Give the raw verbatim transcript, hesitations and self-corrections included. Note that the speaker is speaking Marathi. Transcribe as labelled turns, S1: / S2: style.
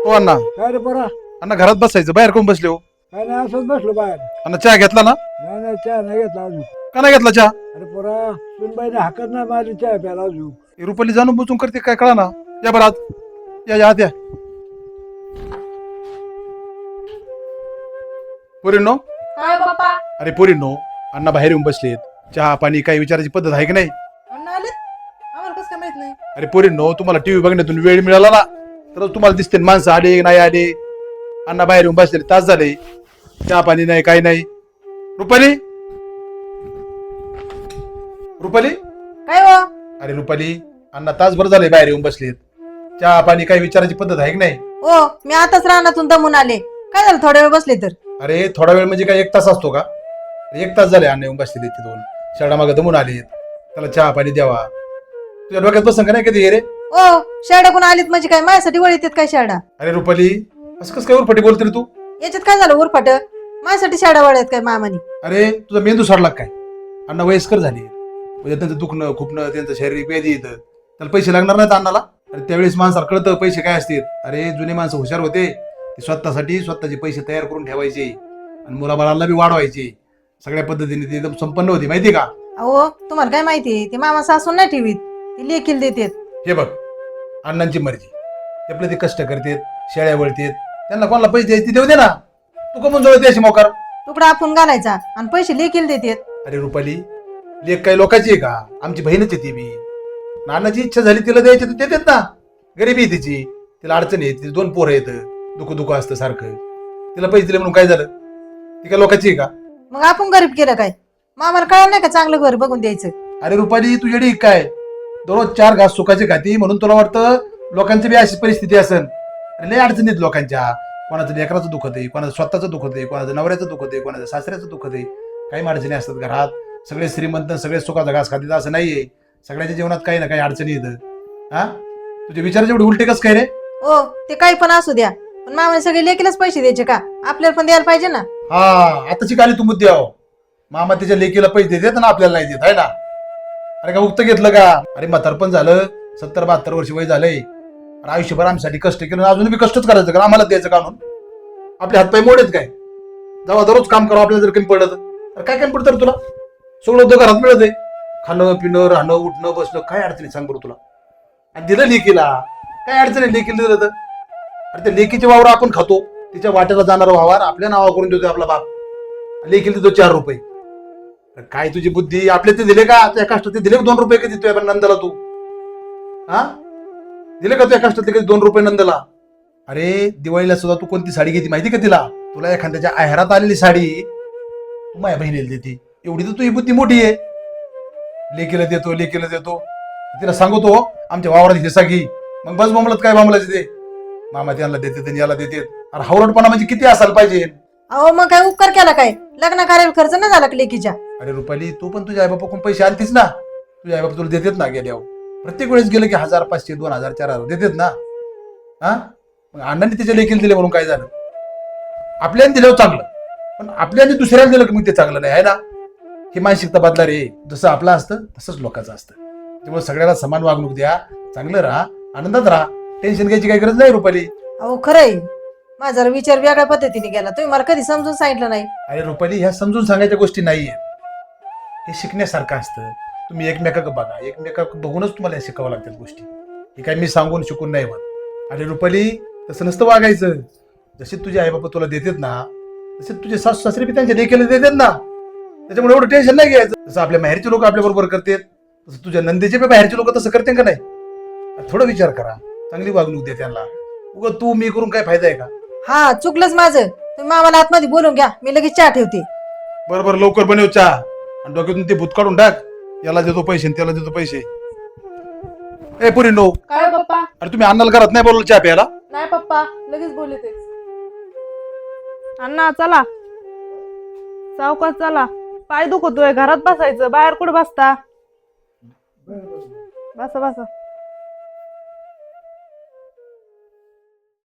S1: हो अण्णा.
S2: काय रे पोरा?
S1: अण्णा घरात बसायचं, बाहेर कोण बसले हो?
S2: काय नाही, असंच बसलो बाहेर.
S1: अण्णा चहा घेतला ना?
S2: नाही नाही, चहा नाही घेतला अजून.
S1: का नाही घेतला चहा?
S2: अरे पोरा, सुनबाईने हाकत नाही माझी चहा प्यायला अजून.
S1: ही रुपाली जाणून बुजून करते काय कळा ना. या बरं आत या, या आत या. पोरींनो,
S3: काय बाप्पा?
S1: अरे पोरींनो, अण्णा बाहेर येऊन बसलेत. चहा पाणी काही विचारायची पद्धत आहे की नाही?
S3: अण्णा आलेत? आम्हाला कसं काय माहित नाही?
S1: अरे पोरींनो, तुम्हाला टीव्ही बघण्यातून वेळ मिळाला ना, तर तुम्हाला दिसते ना माणसं आले नाही आले. अण्णा बाहेर येऊन बसले, तास झाले, चहा पाणी नाही काही नाही. रुपाली, रुपाली,
S3: काय हो?
S1: अरे रुपाली, अण्णा तासभर झाले बाहेर येऊन बसलेत. चहा पाणी काही विचारायची पद्धत आहे की नाही?
S3: हो, मी आताच रानातून दमून आले. काय झालं, थोड्या वेळ बसले तर?
S1: अरे थोडा वेळ म्हणजे काय एक तास असतो का? एक तास झाले अण्णा येऊन बसलेले ते दोन. शाळा मागे दमून आलेत, त्याला चहा पाणी द्यावा. तुझ्या डोक्यात बसन का नाही कधी हे रे?
S3: ओ, शेरडा कोण आलीत म्हणजे काय माझ्यासाठी वळीत येत काय शेरडा?
S1: अरे रुपाली, असं कसं काय उरफाटी बोलते रे तू?
S3: याच्यात काय झालं उरफाट? माझ्यासाठी शेरडा वळ्यात काय मामानी?
S1: अरे तुझा मेंदू सडला काय? अण्णा वयस्कर झाले, म्हणजे त्यांचं दुखणं खुपणं त्यांचं शारीरिक व्याधी येतं, त्याला पैसे लागणार नाहीत अण्णाला. अरे त्यावेळेस माणसाला कळतं पैसे काय असतील. अरे जुने माणसं हुशार होते, ते स्वतःसाठी स्वतःचे पैसे तयार करून ठेवायचे आणि मुलाबाळांना बी वाढवायचे. सगळ्या पद्धतीने ते एकदम संपन्न होते, माहिती का?
S3: अहो, तुम्हाला काय माहिती, ते मामा सासून नाही ठेवीत, ते लेखील देतात.
S1: हे बघ, अण्णांची मर्जी, ते आपले ते कष्ट करतात, शेळ्या वळतात, त्यांना कोणाला पैसे द्यायचे देऊ दे ना. तू कमून जोडते अशी मोकार?
S3: तुकडा आपण घालायचा आणि पैसे लेखील देतात.
S1: अरे रुपाली, लेख काही लोकांची आहे का? आमची बहीणच आहे ती बी. नानाची इच्छा झाली तिला द्यायची तर देतात ना. गरीबी आहे तिची, तिला अडचण आहे, तिचे दोन पोरं येतं, दुःख दुःख असतं सारखं. तिला पैसे दिले म्हणून काय झालं? ती काय लोकांची आहे का?
S3: मग आपण गरीब केलं काय? मामाला कळलं नाही का चांगलं घर बघून द्यायचं?
S1: अरे रुपाली, तू येडी काय? दररोज चार घास सुखाची खाती म्हणून तुला वाटतं लोकांची बी अशी परिस्थिती असेल? अरे लय अडचणीत लोकांच्या. कोणाचं लेकराचं दुखत आहे, कोणाचं स्वतःचं दुखत आहे, कोणाचं नवऱ्याचं दुखत आहे, कोणाचं सासऱ्याचं दुखत आहे. काही अडचणी असतात घरात. सगळे श्रीमंत सगळे सुखाचा घास खातात असं नाहीये. सगळ्याच्या जीवनात काही ना काही अडचणी येतं. हा, तुझे विचार जेवढे उलटे कस काय रे?
S3: ओ, ते काही पण असू द्या, पण मामाने सगळे लेकीलाच पैसे द्यायचे का? आपल्याला पण द्यायला पाहिजे ना.
S1: हा, आताची काली तू मुद्दे आहो. मामा त्याच्या लेकीला पैसे देत ना, आपल्याला नाही देत आहे ना. अरे का उक्त घेतलं का? अरे म्हातारपण झालं, सत्तर बहात्तर वर्ष वय झालंय, आयुष्यभर आमच्यासाठी कष्ट केलं, अजून बी कष्टच करायचं का? आम्हाला द्यायचं काढून? आपले हातपाय मोडेत काय? जेव्हा दररोज काम करावं आपल्याला जर कमी पडत तर काय कमी पडतं तुला? सगळं उद्योग घरात मिळत आहे, खाणं पिणं राहणं उठणं बसणं, काय अडचणी सांग बरं तुला? आणि दिलं लेकीला, काय अडचणी लेकीला दिलं तर? अरे त्या लेकीचे वावर आपण खातो, तिच्या वाट्याला जाणारा वावर आपल्या नावा करून देतोय आपला बाप, लेकीला देतो चार रुपये. काय तुझी बुद्धी? आपले ते दिले का? त्या कष्टात दिले दोन रुपये कधी देतोय आपण नंदला? तू हा दिले का तुझ्या कष्टातले कधी दोन रुपये नंदला? अरे दिवाळीला सुद्धा तू कोणती साडी घेते माहिती का तिला? तुला एखाद्याच्या आहेरात आलेली साडी तू माझ्या बहिणीला देते, एवढी तर तुझी बुद्धी मोठी आहे. लेकीला देतो लेकीला देतो, तिला सांगतो आमच्या वावरात हिस्सा घे. मग बस बोंबलत काय बोंबलायचं ते? मामा त्यांना देते याला देते. अरे हावरटपणा म्हणजे किती असायला पाहिजे?
S3: अहो, मग काय उपकार केला काय? लग्न करायला खर्च नाही झाला का लेकीच्या?
S1: अरे रुपाली, तू पण तुझ्या आईबापा कोण पैसे आणतीस ना? तुझ्या आईबापा तुला देतात ना गेल्यावर? प्रत्येक वेळेस गेलं की हजार पाचशे दोन हजार चार हजार देतात ना. हा, मग अण्णांनी त्याच्या लेखील दिले म्हणून काय झालं? आपल्याने दिल्यावर चांगलं, पण आपल्याने दुसऱ्याला दिलं की मग ते चांगलं नाही आहे ना. ही मानसिकता बदला रे. जसं आपलं असतं तसंच लोकांचं असतं. त्यामुळे सगळ्याला समान वागणूक द्या, चांगलं राहा, आनंदात राहा. टेन्शन घ्यायची काही गरज नाही रुपाली.
S3: अहो खरंय, माझा विचार वेगळ्या पद्धतीने गेला. तुम्ही मला कधी समजून सांगितलं नाही.
S1: अरे रुपाली, ह्या समजून सांगायच्या गोष्टी नाहीये, हे शिकण्यासारखं असतं. तुम्ही एकमेकाक बघा, एकमेकाक बघूनच तुम्हाला शिकावं लागतात गोष्टी. हे काय मी सांगून शिकून नाही होत. अरे रुपाली, तसं नसतं वागायचं. जसे तुझे आई बाबा तुला देतात ना, तसे तुझे सासू सासरे बी त्यांच्या लेकीला देतात ना. त्याच्यामुळे एवढं टेन्शन नाही घ्यायचं. जसं आपल्या बाहेरचे लोक आपल्या बरोबर करतात, तसं तुझ्या नंदेचे बी बाहेरचे लोक तसं करते का नाही? थोडा विचार करा, चांगली वागणूक दे त्यांना. उगा तू मी करून काय फायदा आहे का?
S3: हा, चुकलंच माझं. तुम्ही मामाला आतमध्ये बोलून घ्या, मी लगेच चहा ठेवते.
S1: बरोबर, लवकर बनव चहा आणि डोक्यातून ते भूत काढून टाक. याला देतो पैसे त्याला देतो पैसे. ए पुरी नो,
S4: काय पप्पा?
S1: अरे तुम्ही अण्णाला घरात नाही बोलवलं चहा प्यायला?
S4: नाही पप्पा, लगेच बोलले ते. अण्णा चला, सावकाश चला. पाय दुखतोय, घरात बसायचं, बाहेर कुठं बसता? बसा बसा.